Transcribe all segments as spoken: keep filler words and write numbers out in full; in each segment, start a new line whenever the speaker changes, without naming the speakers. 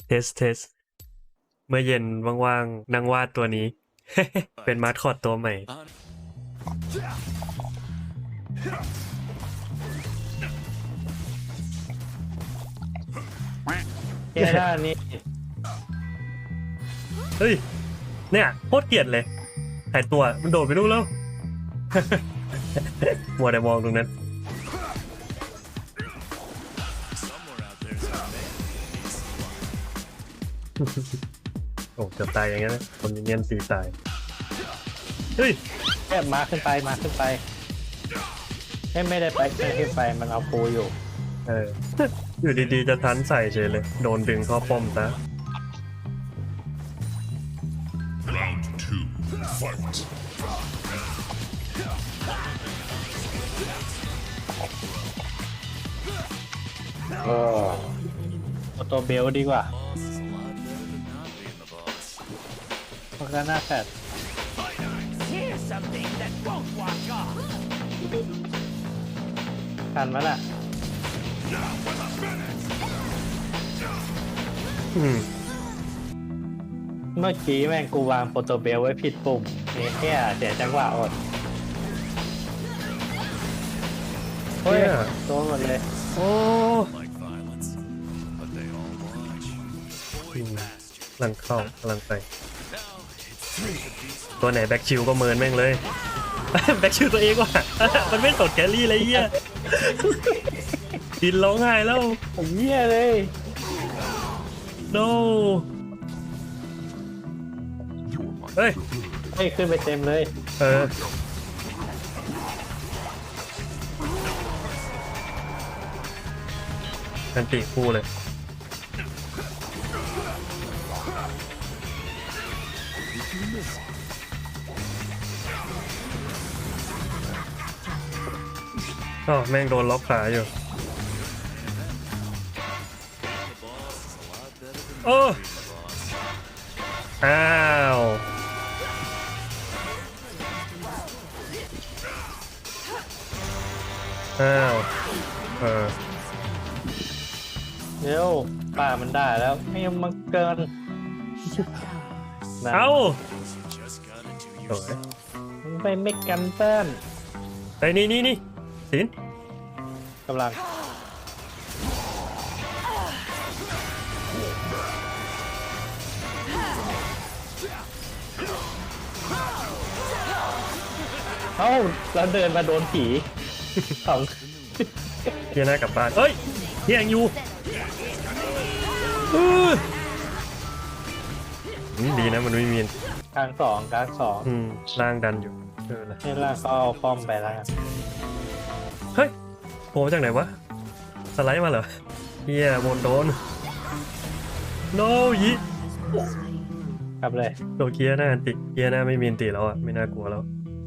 เทสเทสเมื่อเย็นว่างๆนั่งวาดตัวนี้ เป็นมาสคอตตัวใหม่
แค่ด้านนี้
เฮ้ย เนี่ยโคตรเกลียดเลยหายตัวมันโดดไปดูแล้ว มัวแต่มองตรงนั้น โอ้เกือบตายอย่างนั้นนะคนเนียนสีตาย เฮ้ย
แค่มาขึ้นไปมาขึ้นไปให้ไม่ได้ไปไม่ขึ้นไปมันเอาปูอยู่
เออ อยู่ดีๆจะทันใส่เฉยเลย โดนดึงเข้าป้อมซะ
Round two, fight.
เออเอาตัวเบลดีกว่าเพราะก็น่าแฟดทันมั้ยล่ะ
อืม
เมื่อกี้แม่งกูวางโปรโตเบลไว้ผิดปุ่มนี่แค่เสียจังหวะอดเฮ้ย
เนี่ย
โดนหมดเลย
โอ้
Like violence, but they all watch.
อืมกำลังเข้ากำลังไป ตัวไหนแบ็กชิลก็เมินแม่งเลย แบ็กชิลตัวเองว่ะ มันไม่สดแครี่เลยเหี้ย ดินร้องไห้แล้ว
ผมเหี้ยเลย
no เฮ้ย
ให้ขึ้นไปเต็มเลย
เออกันติคู่เลย อ๋อแม่งโดนล็อกขาอยู่ โอ้ อ้าว อ้าว เออ
เร็วป่ามันได้แล้วไม่ยอมมาเกินนะ
เอ้า
Just gotta do
โอ้ย
มึงไปไม่กันเต้น
ไปนี่นี่นี่สิน
กำลังเอ้าเราเดินมาโดนผีสอง
เฮียหน้ากลับบ้านเอ้ยเฮียยังอยู่อื้ออืมดีนะมันไม่มี
กลางสองกลางสอง
อืมร่างดันอยู่เออละ
นี่ล่างก็เอาป้อมไปแล้วกัน
เฮ้ยโผล่มาจากไหนวะ สไลด์มาเหรอเฮียบนโดน no ยิ
กลับเลย
โดนเกียร์หน้าอันติเกียร์หน้าไม่มีอันติแล้วอ่ะ ไม่น่ากลัวแล้ว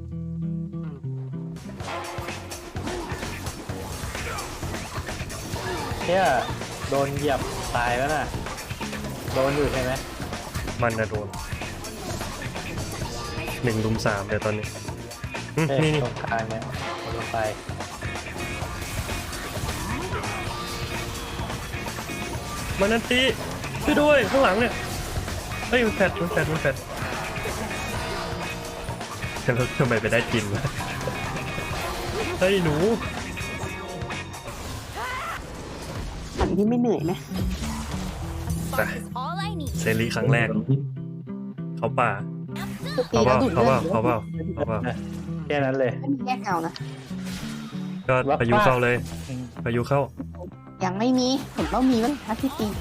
เที่ยโดนเหยียบตายแล้วน่ะโดนอยู่ใช่ไหม
มันนะโดนหนึ่งลุมสามเดี๋ยวตอนนี้อืม
เอ้ย
นี่นี่
ตรงกลางเนี่ยเอาลงไป
มันนันติช่วยด้วยข้างหลังเนี่ยเฮ้ยมันแฟดมันแฟดมันแฟดแล้วทำไมไปได้กินวะเฮ้ยหนู
ฝันที่ไม่เหนื่อยไหม
ไปเซรีครั้งแรก เขาป่า
คือตี
เขาเป
แล้ว
ล่า
ดูด
เขา
เลื
เป
อ
ล่า
ด
เขาเปล่าเขาเปล่า
แค่นั้นเลย
ไม่มีแยกเงานะ
ก็พายุเข้าเลยพายุเข้า
ยังไม่มีเห็นว่ามีมั้ยทักที่ตี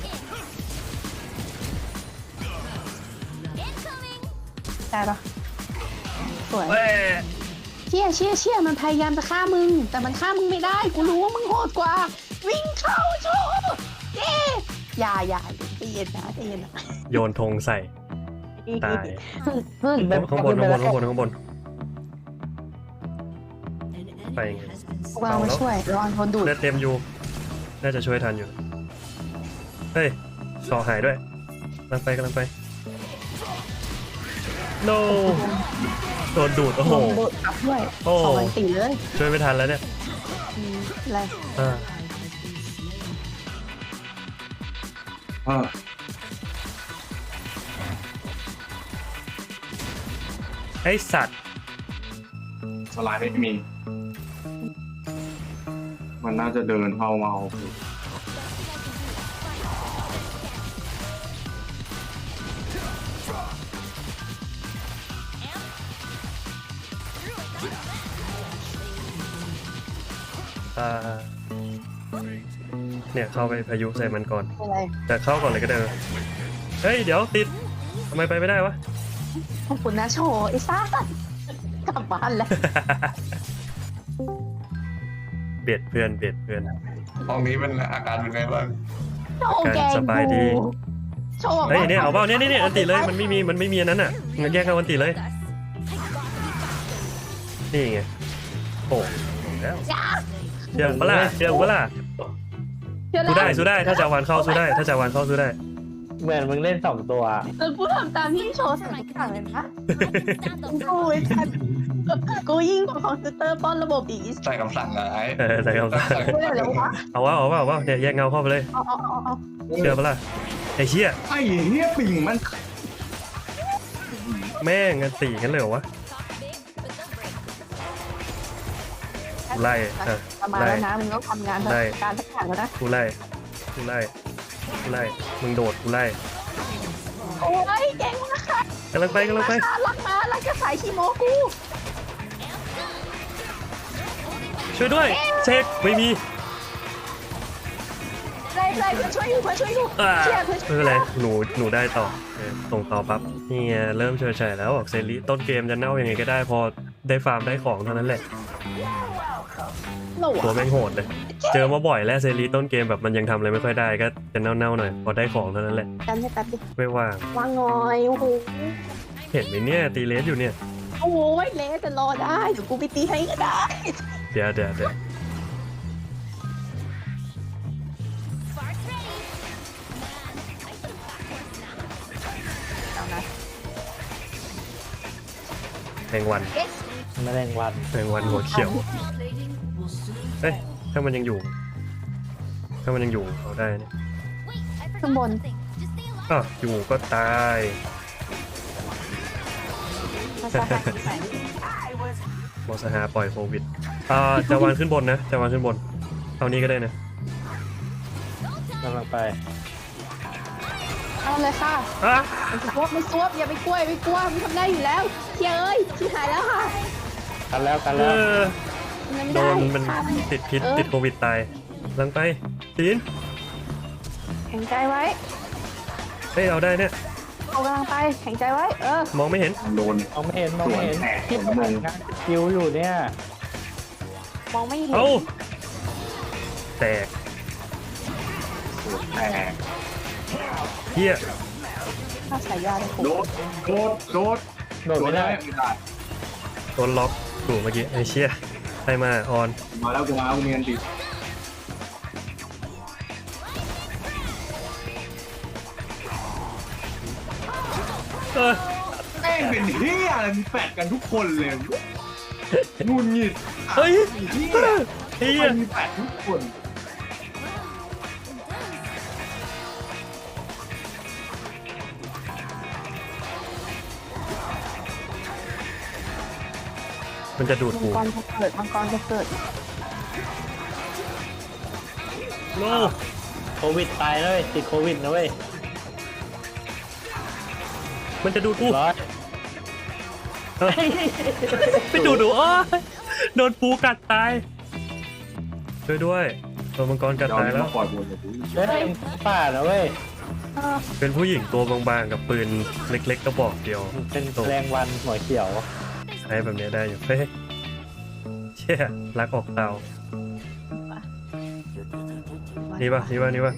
ได้ปะสวย
เว้ย
เชี่ยเชี่ยเชี่ยมันพยายามจะฆ่ามึง แต่มันฆ่ามึงไม่ได้กูรู้ว่ามึงโหดกว่า วิ่งเข้าโชว์เย้อย่าอย่าใจเย็นนะใจเย็นนะ
โยนธงใส่ตาย
เพิ่ง
ข้างบนข้างบนข้างบนข้างบนไปไง
วางมาช่วยรอนคนดูด
เลือดเต็มอยู่น่าจะช่วยทันอยู่เฮ้ยต่อหายด้วยกำลังไปกำลังไป no โดนดูดโอ้โห
ลงโดดกลับด้วย
โอ้
สองวันตีเลย
ช่วยไม่ทันแล้วเนี่ย
อืมอะไร
อ่าอ้สัตว์
สไลด์ไม่มี มันน่าจะเดินเข้ามาเอา
อ่าเนี่ยเข้าไปพายุใส่มันก่อน
อะไร
แต่เข้าก่อนเลยก็ได้นะเฮ้ยเดี๋ยวติดทำไมไปไม่ได้วะ
ขอบคุณนะโชว์ไอ้ซ่ากลับบ้านแล้ว
เบียดเพื่อนเบียดเพื่อน
ห้องนี้เป็นอาการเป็นไงบ้าง
โชว์แกง
สบายดี
กูโชว์
เฮ้ยเนี่ยเอาเปล่าเนี่ยเนี่ยเนี่ยอันติเลยมันไม่มีมันไม่มีอันนั้นอ่ะงั้นแยกเอาอันติเลยนี่ไงโอ้แล้ว
จ้า
เชื่อปะล่ะเชื่อปะล่ะ
เชื่อ
สู้ได้
แล้ว
สู้ได้ถ้าจะวันเข้าสู้ได้ถ้าจะวันเข้าสู้ได้
เหมือนมึงเล่นสองตัว
เออกูทำตามที่โชว์สั่งทุกอย่างเลยนะกูไอ้สัตว์กูยิ่งกว่าคอมพิวเตอร์ป้อนระบบอีก
ใส่คำสั่งไง
เออใส่คำสั่ง
กูเลยเหรอวะ
เอาวะเอาวะเอาวะเนี่ยแยกเงาเข้าไปเลย
เอาเอาเอาเอา
เชื่อปะล่ะไอ้เชี่ย
ไอ้เหี้ยปิ่งมัน
แม่งอันตีกันเลยเหรอวะไล่อ่ะ
ประมาณแล้วนะมึงต้องทำงานการสักอย่างแล้วนะ
กูไล่กูไล่กูไล่มึงโดดกูไล่
โอ้ยเก่งมากค่ะ
กำลังไปกำลังไป
รักมารักจะสายคีโมกู
ช่วยด้วยเช็คไม่มี
ไรไรเพื่อนช่วยอยู่เพื่อนช่วยอยู่
อ่า
เชียร์เพื่อน
ไม่เป็นไรหนูหนูได้ต่อเออส่งต่อปั๊บนี่ไงเริ่มเฉยเฉยแล้วบอกเซรีต้นเกมจะเน่ายังไงก็ได้พอได้ฟาร์มได้ของเท่านั้นแหละ
หนู
ตัวแม่งโหดเลย เจอมาบ่อยแล้วเซรีต้นเกมแบบมันยังทำอะไรไม่ค่อยได้ก็จะเน่าๆหน่อยพอได้ของเท่านั้นแหละ
กันให้แป๊บดิ
ไม่ว่าง
วางงอยโอ้โห
เห็นไหมเนี่ยตีเลสอยู่เนี่ย
โอ้โหเลสแต่รอได้เดี๋ยวกูไปตีให้ก็ได้
เดี๋ยวเดี๋ยวเดี๋ยว
เอานะ
แมงวัน
ไม่ได้วัน
แมงวันหัวเขียวเอ้ยถ้ามันยังอยู่ ถ้ามันยังอยู่เขาได้เนี่ย
ข้างบน
อ้าวอยู่ก็ตาย
ภาษาไทยใส่
มอสหาปล่อยโควิดอ่าจะวางขึ้นบนนะจะวางขึ้นบนเอานี้ก็ได้นะ
กำลังไป
เอาเลยค่ะ
อ่ะ
ไม่ซวบไม่ซวบอย่าไปกลัวอย่าไปกลัวมันทำได้อยู่แล้วเชียร์เอ้ยชิบหายแล้วค่ะ
กันแล้วกัน
เอ
แล้ว
อ
มันไม่
โด
ได้
นมัน
ค่ะ
ติดพิษ
เออ
ติดโควิดตายลังไปตีน
แข็งใจไว้
เฮ้ยเอาได้เนี่ย
เอากำลังไปแข็งใจไว้เออ
มองไม่เห็น
โดน
มองไม่เห็นมองไม่เห็น
สวนแตก
ที่
สวน
ทำ
มุม
งานคิวอยู่เนี่ย
มองไม่เห็น
เอ้าแตก
แต่
เฮีย
ถ้าสายยาเลย
โดดโดดโดด
โดดไม่ได้
ไม่ได้
โดนล็อกถูกเมื่อกี้ไอ้เชี่ยใครมาออน
มาแล้วกูมากูมีอันติ
เออ
แม่งเป็นเฮียอะไรมีแปดกันทุกคนเลยงุนงิด
เฮ้ย
เฮีย
เฮีย
มันมีแปดทุกคน
มันจะดูด
มัง
กู
กรจะเกิดมังกรจะเกิด
โน
โควิดตายเลยติดโควิดนะเว้ย
มันจะดูดกู
ร้อย
เออไปดูดหนูอ้อยโดนปูกัดตายช่วยด้วยตัวมังกรกัด
เดี๋ยว
ตายแล้ว
มาปล่อยบนเลยกู
เฮ้ยป่านะเว้ย
เออ
เป็นผู้หญิงตัวบางๆกับปืนเล็กๆกระบอกเดียว
เป็นแรงวันหัวเขียว
ใช้แบบนี้ได้อยู่เฮ้ยเชี่ยรักออกเตานี่ปะนี่ปะนี่ปะ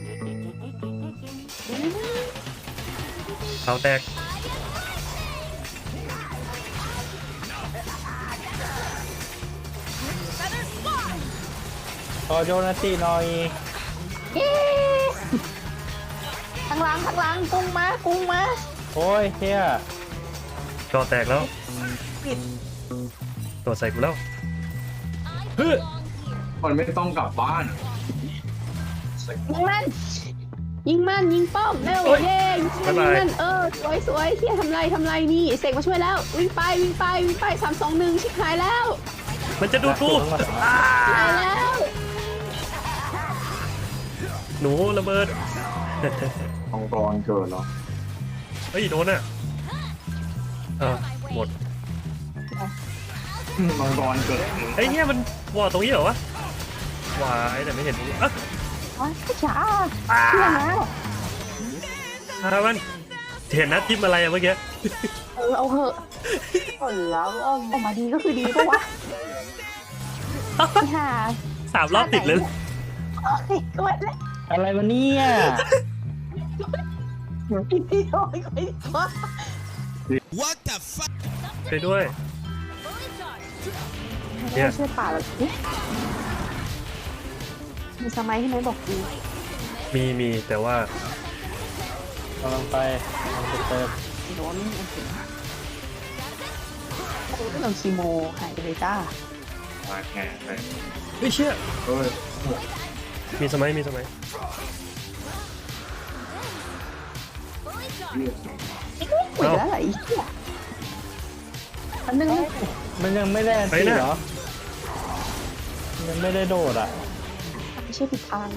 เตาแตก
พอโจนาตีหน่อย
เย้ทางหลังทางหลังกุ้งมากุ้งมา
โอ้ยเฮีย
จอแตกแล้ว
ปิด
ตัวใส่กูแล้วเฮ้ย
มันไม่ต้องกลับบ้าน
ยิงมันยยิงมันยิงป้อมเร็ว
โอ๊ย
เย้ยิงมัน
บ๊ายบาย
ยิงมันเออสวยสวยเที่ยทำไรทำไรนี่เสกมาช่วยแล้ววิ่งไปวิ่งไปวิ่งไปสามสองหนึ่งชิบหายแล้ว
มันจะดูดกูอ่า
หายแล้ว
หนูระเบิด
มังกรเกิดเหรอ
เฮ้ยโดนอ่ะเออหมด
มังกรเกิด
ไอ้เนี่ยมันวอร์ตรงนี้เหรอวะวายแต่ไม่เห็นตรงนี้อ่ะ
อ๋อช้าเชื่อนะ
อ่ะมันเห็นนะทิมอะไรอะเมื่อกี้
เออเอาเหอะเออแล้วเอาออกมาดีก็คือดีปะวะไม่หา
สามรอบติดเลย
โอ้ยกดเลย
อะไรวะเนี่ย
อีกทีโอ้ยกดอีกที
What the fuck?
ไปด้วย เนี่ย
ช่วยป่าเราสิมีสมัยที่ไหมบอกดี
มีมีแต่ว่า
กำลังไปกำลังไปเติม
โดนโอเคโอ้ยเราคีโมหายไปเลยจ้า
มาแข่งเลย
เฮ้ยเชี่ย
เฮ้ย
มีสมัยมีสมัย
หวยแล้วเหรออีกอ่ะอันนึง
มันยังไม่ได้อันตีเหรอยังไม่ได้โดดอ่ะ
ไม่ใช่ผิดทาง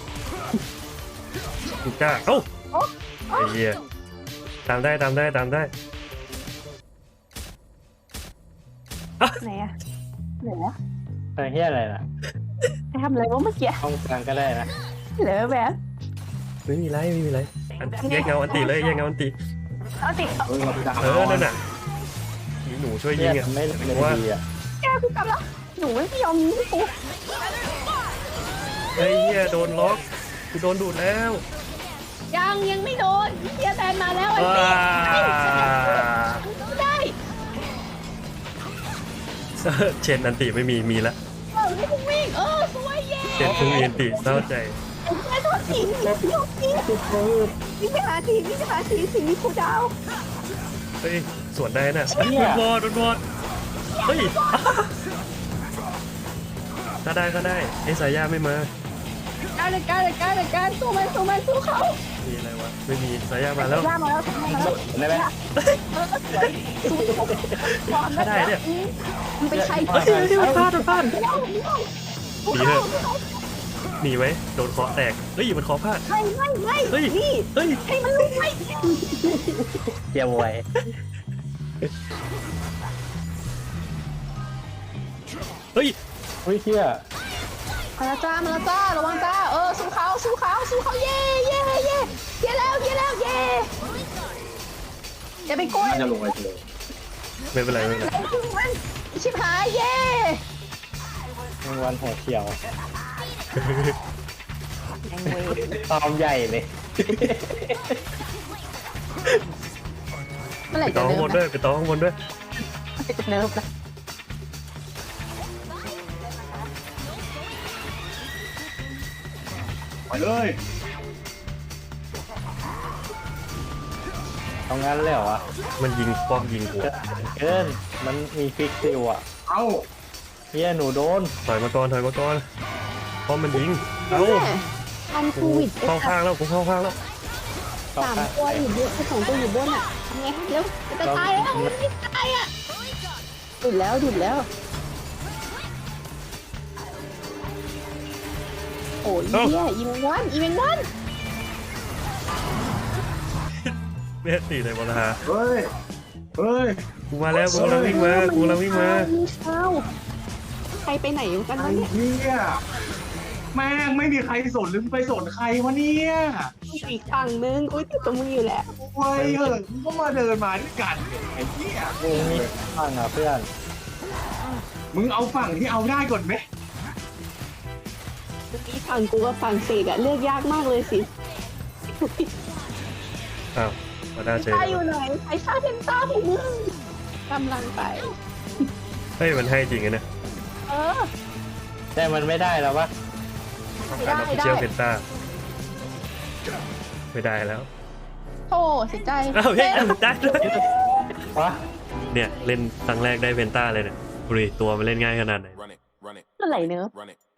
กูกล้าเอ้าไอ้เหี้ยตามได้ตามได้ตามได้
ไหนอะไหนอะ
ไอ้เฮียอะไรน่ะ
ไปทำอะไรวะเมื่อกี้
ห้องกลางก็ได้นะ
เหลือแบบ
ไม่มีไรไม่มีไรอันแยกเงาอันตีเลยแยกเงาอันตี
เอาติเอา
เฮ้ยเราจะ
เออนั่นน่ะมีหนูช่วย
เฮี
ยิ
ย
งอ่ะ
ไม่ไม่
ว่า
ดีอ่ะ
แก้กูกลับแล้วหนูไม่ยอมยิงกู
ไอ้เหี้ยโดนล็อกกูโดนดูดแล้ว
ยังยังไม่โดนเฮียแบนมาแล้วไอ้
ว้า
นี่ได้
เชนอันตีไม่มีมีละ
เออให้กูวิ่งเออสวยเย้
เชนเพิ่งมีอันตีเศร้าใจ
ไอ้แค่โดนทิ้งโยกทิ้งวิ่งไปหาทีวิ่งไปหาทีสิ่งนี้กูดาว
เฮ้ยสวนได้น่ะโดนวอดโดนวอดเฮ้ยถ้าได้ก็ได้ไอ้สายยาไม่มา
การเลยการเลยการเลยการสู้มันสู้มันสู้เขา
มีอะไรวะไม่มีสายยามาแล้ว
ล่ามาแล้วทำมาแล้ว
ได้ไหม
เออสวยสู้ความ
ถ้าได้เนี่ย
มันเป็นใคร
เฮ้ยเฮ้ยโดนพลาดโดนพลาด
เดี๋ยว
หนีเถอะหนีไว้โดนเคาะแตกเฮ้ยมันเคาะพลาด
ไม่ไม่ไม่
เฮ้ย
นี่
เฮ้ย
ให้มันลุกไม่
เจียวไว้
เฮ้ย
เฮ้ยเฮีย
มาแล้วจ้ามาแล้วจ้าระวังจ้าเออสู้เขาสู้เขาสู้เขาเย่เย่เย่เย่แล้วเย่แล้วเย่อย่าไปกลัว
น่าจะลงไปเลย
ไม่เป็นไรไม่เป็นไร
มันชิบหายเย่
รางวัลหัวเขียว
แองเวย์
ตอมใหญ่เลย
เมื่อไหร่
ไป
จะ
ต่อข้างบน
เนิ
ด้
ร์
วยไปต่อข้างบนด้วย
ฟจะเนิร์ฟนะ
ไปเลย
เอางั้นเลยเหรอวะ
มันยิงป้อมยิงหัว
เกินมันมีฟิกซิลอ่ะ
เอ้า
เฮียหนูโดน
ถอยมาก่อนถอยมาก่อนป้อมมันยิงเอ้า
ทันโค
กู
วิด
เข้าข้างแล้วกูเข้าข้างแล้ว
ต่อ
สาม
ไป
ตัวอยู่บนสองตัวอยู่บนอ่ะทำไงเร็วจะตายแล้วไม่ตายอ่ะดุดแล้วดุดแล้วโอ้ยเฮียอีเมนวันอีเมนวัน
เมสตีเลยบอลฮา
เฮ้ยเฮ้ย
กูมาแล้วกูกำลังวิ่งมากูกำลังวิ่งมา
เช้าใครไปไหนกัน
ไอ้
วะเนี่ย
เหี้ยแม่งไม่มีใครสนหรือไปสนใครวะเนี่ย
อีกฝั่งนึงกูติดตัวมึงอยู่แล้ว
โอ้ยเออมึงก็มาเดินมาด้วยกันไอ้เหี้ย
กูมีฟังอ่ะเพื่อน
มึงเอาฝั่งที่เอาได้ก่อนไหม
อีกฝั่งกูกับฝั่งเสกอะเลือกยากมากเลยสิ
อ้าวมาได้เจอ
ตาอยู่ไหนไอ้ชาเทนต้าของมึงกำลังไป
เฮ้ยมันให้จริงไงเนี่ย
เออ
แต่มันไม่ได้แล้ววะ
การออฟฟิเชียลเพนต้าไม่ได้แล้ว
โธ่เสียใจ
อ้าวเฮ้ยได้ด้วย
วะ
เนี่ยเล่นครั้งแรกได้เพนต้าเลยเนี่ยดูดิตัวมันเล่นง่ายขนาดไหน
Run it, run it,
เมื่อไหร่เนอะ
run it.